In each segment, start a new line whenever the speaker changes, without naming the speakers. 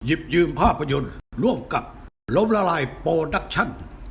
หยิบยืมภาพยนตร์ร่วมกับล้มละลายโปรดักชั่น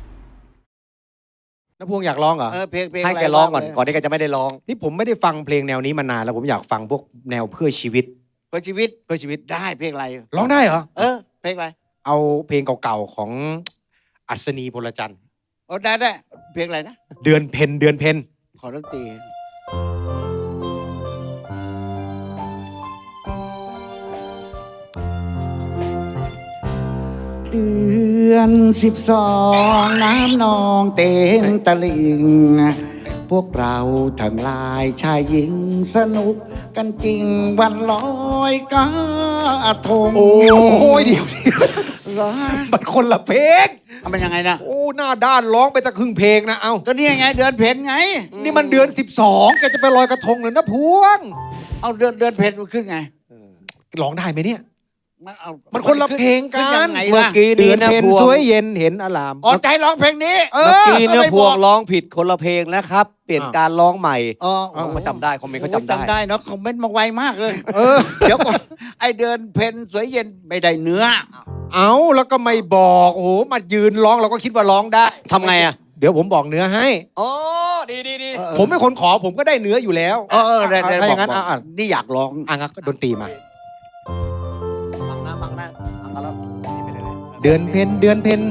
น้าพวงอยากร้องเหรอ
เพลง
ให้แกร้องก่อนที่แกจะไม่ได้ร้อง
นี่ผมไม่ได้ฟังเพลงแนวนี้มานานแล้วผมอยากฟังพวกแนวเพื่อชีวิต
เพื่อชีวิต
เพื่อชีวิต
ได้เพลงอะไร
ร้องได้เหรอ
เพลงอะไร
เอาเพลงเก่าๆของอัศนีพลจันทร์
ได้เพลงอะไรนะ
เดือนเพ็ญเดือนเพ็ญ
ขอดนตรีเดือน12น้ำนองเต็มตลิ่งพวกเราทั้งหลายชายหญิงสนุกกันจริงวันลอยกระทง
โอ้ยเดี๋ยวมันคนละเพลง
มันยังไงนะ
โอ้หน้าด้านร้องไปตะครึ่งเพลงนะเอา
ก็นี่ไงเดือนเพ็ญไง
นี่มันเดือน12แกจะไปลอยกระทงหรือน้าพวง
เอาเดือนเพ็ญมันขึ้นไง
ร้องได้ไหมเนี่ย
เอา
มันคนละเพลงกั
ขึ้
น
ยังไง
เมื่อ
ล่ะ
กี้
เดื
นี้
อน
นะ
เพ็ญ
พวง
สวยเย็นเห็นอลาม
อ๋อใจร้องเพลงนี้
เมื่อกี้
ก็
นะ
ไม่
พ
บ
ว
อง ก
ร้องผิดคนละเพลงนะครับ เปลี่ยนการร้องใหม่ เขาจำได้คอมเมนต์เขาจำได้
จำได้เนาะคอมเมนต์มาไวมากเลยเดี๋ยวก่อนไอเดือนเพ็ญสวยเย็นไม่ได้เนื้อ
เอาแล้วก็ไม่บอกโอ้โหมายืนร้องเราก็คิดว่าร้องได้
ทำไงอ่ะ
เดี๋ยวผมบอกเนื้อให้
อ๋อดี
ผมเป็นคนขอผมก็ได้เนื้ออยู่แล้ว
ได้
ถ้าอย่างนั้น
บอก
อ่ะ
นี่อยากร้อง
งั้นก็ดนตรีมา
ฟังนะฟังแล้ว
เดือนเพ็ญเดือนเพ็ญ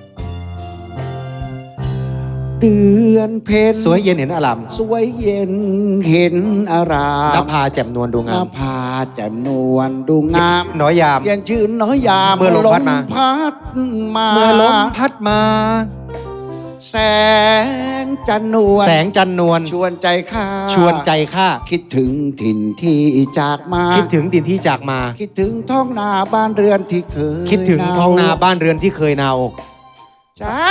เดือนเพ็ญ
สวยเย็นเห็นอาราม
สวยเย็นเห็นอาราม
นภาแจ่มนวลดูงาม
พาแจ่มนวลดูงาม
น้อยยาม
เย็นชื่นน้อยยาม
เมื่อลมพัดมา
พัดมา
เมื่อลมพัดมา
แสงจันนวล
แสงจันนวล
ชวนใจข้า
ชวนใจข้า
คิดถึงถิ่นที่จากมา
คิดถึงดินที่จากมา
คิดถึงท้องนาบ้านเรือนที่เคย
คิดถึงท้องนาบ้านเรือนที่เคยเนา
จ้า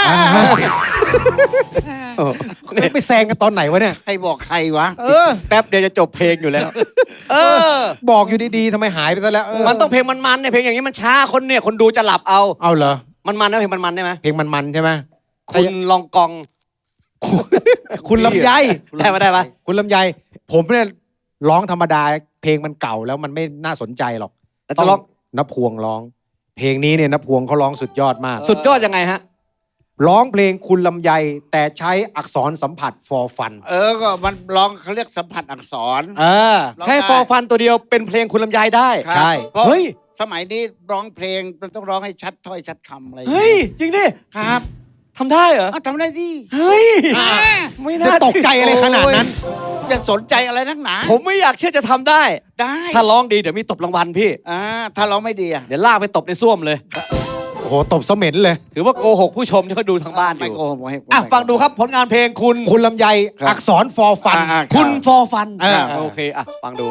ไปแซงกันตอนไหนวะเนี่ย
ใครบอกใครวะ
แป๊บเดียวจะจบเพลงอยู่แล้ว
บอกอยู่ดีๆทำไมหายไปซะแล้ว
มันต้องเพลงมันๆเนี่ยเพลงอย่างนี้มันช้าคนเนี่ยคนดูจะหลับเอา
เอาเหรอ
มันนะเพลงมันๆได้ไหม
เพลงมันๆใช่ไหม
คุณลองกอง
คุณลำไย
ได้ปะ
คุณลำไยผมเนี่ยร้องธรรมดาเพลงมันเก่าแล้วมันไม่น่าสนใจหรอก
แล้วจะร้อง
นพวงร้อง เพลงนี้เนี่ยนพวงเขาร้องสุดยอดมาก
สุดยอดยังไงฮะ
ร้องเพลงคุณลำไยแต่ใช้อักษรสัมผัส for fun
ก็มันร้องเขาเรียกสัมผัสอักษร ร้อง
แค่
ได้
ฟอร์ฟันตัวเดียวเป็นเพลงคุณลำไยได้
ครับ
ใช่
เพราะ
เฮ้ย
สมัยนี้ร้องเพลงมันต้องร้องให้ชัดถ้อยชัดคำอะไรอย่าง
เฮ้ย
งี้
จริงดิ
ครับ
ทำได้เหรอ
ทำได้ดิ
เฮ้ย
อ่า
ไม่
จะ
น่า
ตกใจอะไรขนาดนั้น
จะสนใจอะไรนักหนา
ผมไม่อยากเชื่อจะทำได้
ได้
ถ้าร้องดีเดี๋ยวมีตบรางวัลพี่
ถ้าร้องไม่ดีอะ
เดี๋ยวลากไปตบในส้วมเลย
โอ้โหตบเสม็นเลย
ถือว่าโกหกผู้ชมที่เขาดูทางบ้านอ
ไม่
ยู่
โกหกไม่
อ่ะฟังดูครับผลงานเพลงคุณ
คุณลำไย
ครับ
อักษร for fun
คุณฟอร์ฟัน
ครับ
โอเคอ่ะฟังดู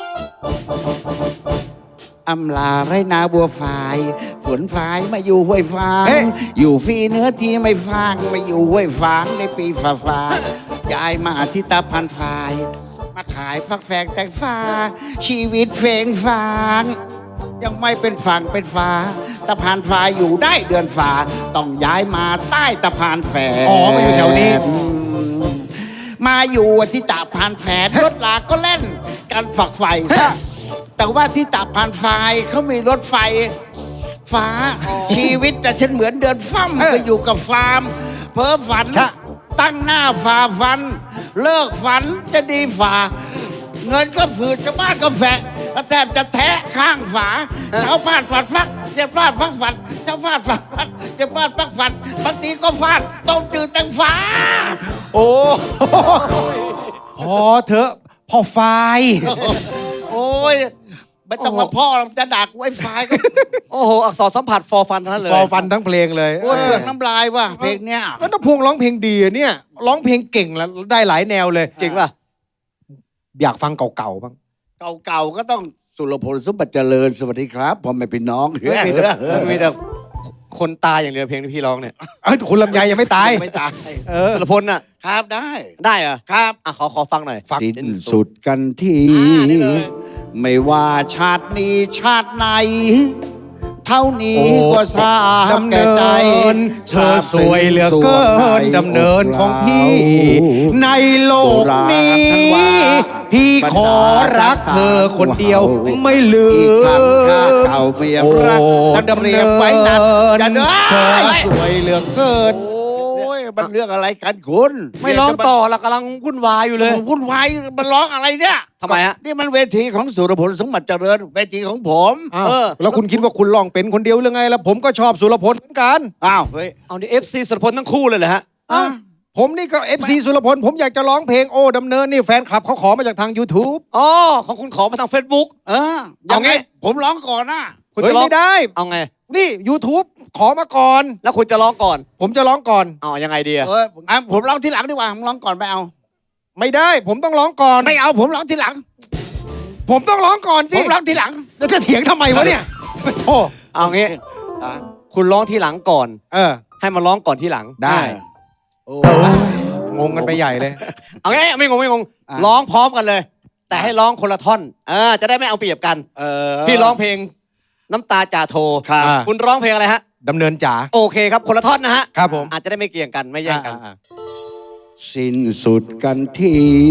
อำลาไรนาบัวฝายฝนฝายมาอยู่ห้วยฟาง
เฮ้ย
อยู่ฟรีเนื้อที่ไม่ฟางมาอยู่ห้วยฟางในปีฟ้าย้ายมาที่ตาพันฝาย มาขายฟักแฟงแตงฟ้า ชีวิตเฟงฟาง ยังไม่เป็นฝั่งเป็นฟ้าตะพานฟ้าอยู่ได้เดือนฟ้าต้องย้ายมาใต้ตะพานแฝง
อ๋อมาอยู่แถวนี้
มาอยู่ที่ตะพานแฝงรถลาก็เล่นกันฝักไฟ แต่ว่าที่ตะพานไฟเขามีรถไฟฟ้า ชีวิตแต่ฉันเหมือนเดินฟั่มไปอยู่กับฟาร์ม เพ้อฝัน ตั้งหน้าฝ่าฟัน เลิกฝันจะดีฝ่า เงินก็ฝืดจะบ้านก็แฝะแทบจะแทะข้างฝาเช้าฟาดฝัดฟักจะฟาดฟักฝัดเช้าฟาดฝัดฟักจะฟาดฟักฝัดบางทีก็ฟาดต้มจืดแตงฟ้า
โอ้พอเถอะพ่อไฟ
โอ้ยไม่ต้องมาพ่อหรอกจะดักไว้ไฟก็
โอ้โห อักษรสัมผัสฟอร์ฟันทั้งนั้นเลย
for fun ทั้งเพลงเลย
โอ้ยเปลือกน้ำลายว่ะเพลงเนี้ย
แล้วนพวงร้องเพลงดีอะเนี่ยร้องเพลงเก่งแล้วได้หลายแนวเลย
จริงป่ะ
อยากฟังเก่าๆบ้าง
เก่าๆก็ต้องสุรพลสมบัติเจริญสวัสดีครับพ่อแม่พี่น้อง
มีแต่คนตายอย่างเดียวเพลงที่พี่ร้องเนี่ย
คุณลำไยยังไม่ตาย
ไม่ตาย
สุรพลน่ะ
ครับได้
ได้เหรอ
ครับ
อ่ะขอฟังหน่อย
ฟัง
ดิ้นสุดกันที
นี่เลย
ไม่ว่าชาตินี้ชาติไหน เท่านี้ก็สา
ดำ
แก่
เนิ
ใจ
นเธอสวยเหลือเกินดำเนินของพี่ ในโลกนี้ พพี่ขอรักเธอคนเดียวไม่ลื
อีก
ม
ครั้งข้าเก่าเมียรักท่านเรียบไว้นัดกันเด้
เธอ
อ
สวยเหลือเกิน
โอ้ยมันเรื่องอะไรกันคุณ
ไม่ร้องต่อเรากำลังวุ่นวายอยู่เลย
วุ่นวายมันร้องอะไรเนี่ย
ทำไมฮะ
นี่มันเวทีของสุรพลสมบัติเจริญเวทีของผม
อ้าว
เออ
แล้วคุณคิดว่าคุณร้องเป็นคนเดียวหรือไงแล้วผมก็ชอบสุรพลเหมือนกัน
อ้าวเฮ้ย
เอานี่ FC สุรพลทั้งคู่เลยเหรอฮะ
อ่ะ
ผมนี่ก็ FC สุรพลผมอยากจะร้องเพลงโอ้ดำเนินนี่แฟนคลับเขาขอมาจากทาง YouTube
อ๋อ ของคุณขอมาทาง Facebook
เออ
เอาไง
ผมร้องก่อนนะ
คุณ
เฮ้ย
จะร้อง
ไม่ได้
เอาไง
นี่ YouTube ขอมาก่อน
แล้วคุณจะร้องก่อน
ผมจะร้องก่อน
เอายังไงดีอะ
เออผมร้องทีหลังดีกว่าผมร้องก่อนไม่เอา
ไม่ได้ ผมต้องร้องก่อน
ไม่เอาผมร้องทีหลัง
ผมต้องร้องก่อน
ผ
สิ
มร้องทีหลัง
แล้วจะเถียงทำไมวะเนี่ยโอ้
เอางี้
อ่ะ
คุณร้องทีหลังก่อน
เออ
ให้มาร้องก่อนทีหลัง
ได้
โอ้
งงกันไปใหญ่เลย
เอางี้ไม่งงไม่งง
อ่ะ
ร้องพร้อมกันเลย แต่ให้ร้องคนละท่อน จะได้ไม่เอาเปรียบกัน
เออ
พี่ร้องเพลงน้ำตาจ่าโท
ครับ
อ่ะ
คุณร้องเพลงอะไรฮะ
ดำเนินจ๋า
โอเคครับ คนละท่อนนะฮะ
ครับผม
อาจจะได้ไม่เกี่ยงกันไม่แย่งกัน
อ่ะ
สิ้นสุดกันที่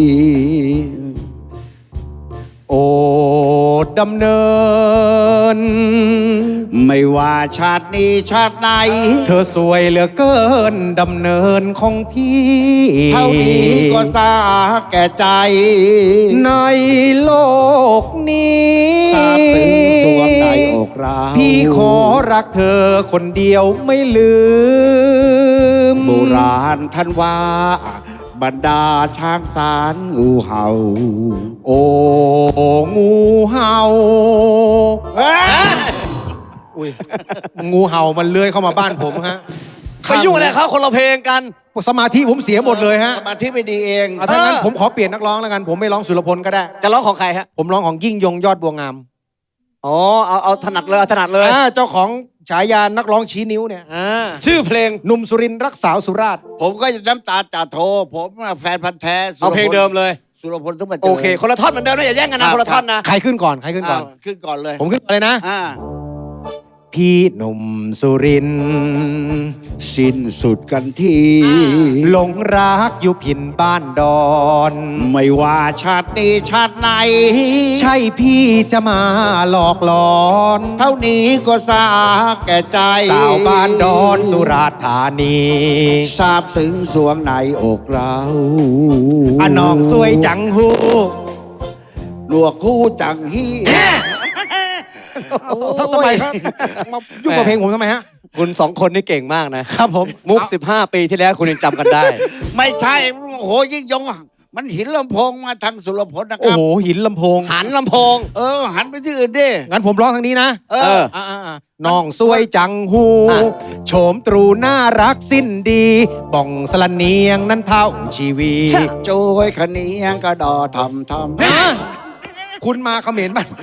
โอ้ดำเนิน
ไม่ว่าชาตินี้ชาติไหน
เธอสวยเหลือเกินดำเนินของพี่
เท่านี้ก็สาแก่ใจ
ในโลกนี้
ทราบซึ้งสวงในอกเรา
พี่ขอรักเธอคนเดียวไม่ลืม
โบราณท่านว่า บรรดาช้างสารงูเห่า
โอ้งูเห่า
เอ้ย
อุ้ยงูเห่ามันเลื้อยเข้ามาบ้านผมฮะ
ไปยุ่งอะไรเขาคนละเพลงกัน
สมาธิผมเสียหมดเลยฮะ
สมาธิไม่ดีเอง
เอาถ้างั้นผมขอเปลี่ยนนักร้องแล้วกัน ผมไม่ร้องสุรพลก็ได้
จะร้องของใครฮะ
ผมร้องของยิ่งยงยอดบัวงาม
อ๋อ เอาถนัดเลยเอาถนัดเลย
เจ้าของฉายานักร้องชี้นิ้วเนี่ย
ชื่อเพลง
หนุ่มสุรินทร์รักสาวสุราษฎร์
ผมก็น้ำตาจ่าโท ผมแฟนพันธ์แท้สุรพล
เอาเพลงเดิมเลย
สุรพลสมบัติจริญ
โอเค คนละท่อนเหมือนเดิมนะอย่าแย่งกันนะคนละท่อนนะ
ใครขึ้นก่อนใครขึ้นก่อน
ขึ้นก่อนเลย
ผมขึ้นก่อนเลยนะ
อ่า
พี่หนุ่มสุรินทร์
สิ้นสุดกันที่
หลงรักอยู่พินบ้านดอน
ไม่ว่าชาตินี้ชาติไหน
ใช่พี่จะมาหลอกหลอน
เท่านี้ก็สาแก่ใจ
สาวบ้านดอนสุราษฎร์ธานี
ทราบซึ้งสวงในอกเรา
อะน้องสวยจังหู
หนวกคู่จังฮี่
ทำไมครับมายุ่งกับเพลงผมทำไมฮะ
คุณสองคนนี่เก่งมากนะ
ครับผม
มุก 15 ปีที่แล้วคุณยังจำกันได้
ไม่ใช่ โอ้โหยิ่งยงอ่ะมันหินลำโพงมาทางสุรพลนะค
โอ้
รับ
โหหินลำโพง
หันลำโพง
หันไปที่อื่นดิ
งั้นผมร้องทางนี้นะ
เออ
น้องสวยจังหู
อ่ะ
โฉมตรูน่ารักสิ้นดีบ่องสลันเนียงนั้นเท่าชีวี
โจยขะเนียงกระดอทำ
คุณมาเขมรบ้าน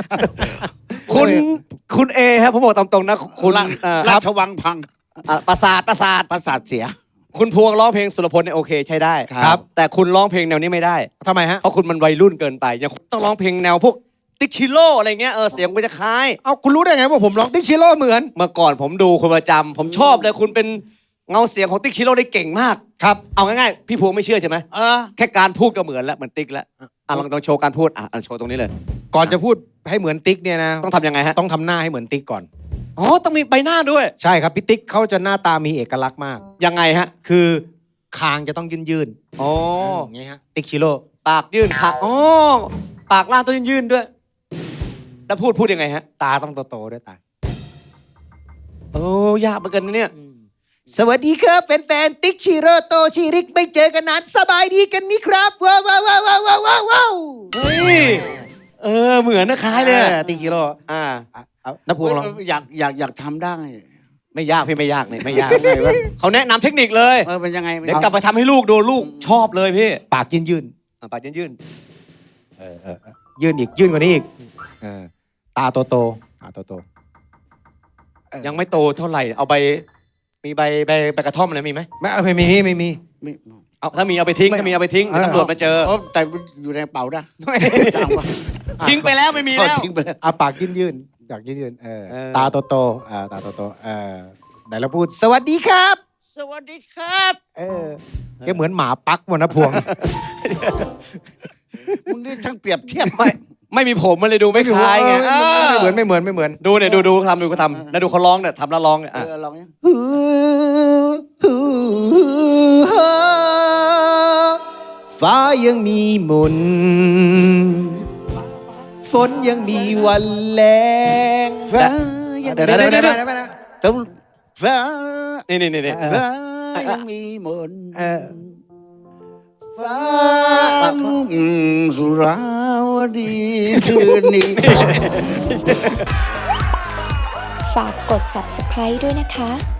คุณเอครับผมบอกตามตรงนะคุณ
ราชวังพัง
ประสาท
ประสาทเสีย
คุณพวงร้องเพลงสุรพลเนี่ยโอเคใช้ได้
ครับ
แต่คุณร้องเพลงแนวนี้ไม่ได้
ทำไมฮะ
เพราะคุณมันวัยรุ่นเกินไปยังต้องร้องเพลงแนวพวกติ๊กชิโร่อะไรเงี้ยเสียงมันจะคล้าย
เอาคุณรู้ได้ไงว่าผมร้องติ๊กชิโร่เหมือน
เมื่อก่อนผมดูคุณประจำผมชอบเลยคุณเป็นเงาเสียงของติ๊กชิโร่ได้เก่งมาก
ครับ
เอาง่ายๆพี่พวงไม่เชื่อใช่ไหม
เออ
แค่การพูดก็เหมือนแล้วเหมือนติ๊กแล้วลองโชว์การพูดโชว์ตรงนี้เลย
ก่อนจะพูดให้เหมือนติ๊กเนี่ยนะ
ต้องทำยังไงฮะ
ต้องทำหน้าให้เหมือนติ๊กก่อน
อ๋อต้องมีใบหน้าด้วย
ใช่ครับพี่ติ๊กเขาจะหน้าตามีเอกลักษณ์มาก
ยังไงฮะ
คือคางจะต้องยื่น
อ๋อ
ๆอย่างงี้ฮะติ๊กชิโร่
ปากยื่นขาอ๋อปากล่างต้องยื่นๆด้วย แล้วพูดยังไงฮะ
ตาต้องโตๆด้วยตา
โอ้ยากเหมือนกันนะเนี่ย
สวัสดีครับแฟนๆติ๊กชิโร่โตชิริกไม่เจอกันนานสบายดีกันมิครับว้าวว้าวว้าวว้าวว้าวว้าว
เฮ้ยเหมือนนะคล้ายเลยอะ
ติ๊กชิโร่ เอาน้าพวงลอง
อยากทำได้
ไม่ยากพี่ไม่ยากเนี่ยไม่ยาก
ทำไงวะ
เขาแนะนำเทคนิคเลย
เป็นยังไง
เดี๋ยวกลับไปทำให้ลูกดูลูกชอบเลยพี่
ปากยื่น
ปากยื่น
ๆยื่นอีกยื่นกว่านี้อีกตาโตๆตาโต
ๆยังไม่โตเท่าไหร่เอามีใบกระท่อมอะไรมีไหม
ๆไม่มีไม่มี
ไม่
เอาถ้ามีเอาไปทิ้งถ้ามีเอาไปทิ้งเดี๋ยวตำรวจมาเจอ
แต่อยู่ในกระเป๋านะจ้างวะ
ทิ้งไปแล้วไม่มีแล้ว
ทิ้งไปแล้ว
เอาปากยื่นๆอยากยื่นๆตาโตๆตาโตๆไหนเราพูดสวัสดีครับ
สวัสดีครับ
แกเหมือนหมาปักวันนะพวง
มึงนี่ช่างเปรียบเทียบ
ไม่มีผมมันเลยดูไม่คล้ายไง
ไม่เหมือนไม่เหมือนไม่เหมือน
ดูเนี่ยดูทำแล้วดูเขาร้องเนี่ยทำแล้วร้องเนี่ย
ลองยัง
ฟ้ายังมีมนต์ฝนยังมีวันแรง
ฟ้ายัง
เดี๋ยว
ต้องฟ้า
นี่
ฟ้ายังมีมนต์ฟ้าลุ่งสุราวดีคืนนี้
ฝากกด subscribe ด้วยนะคะ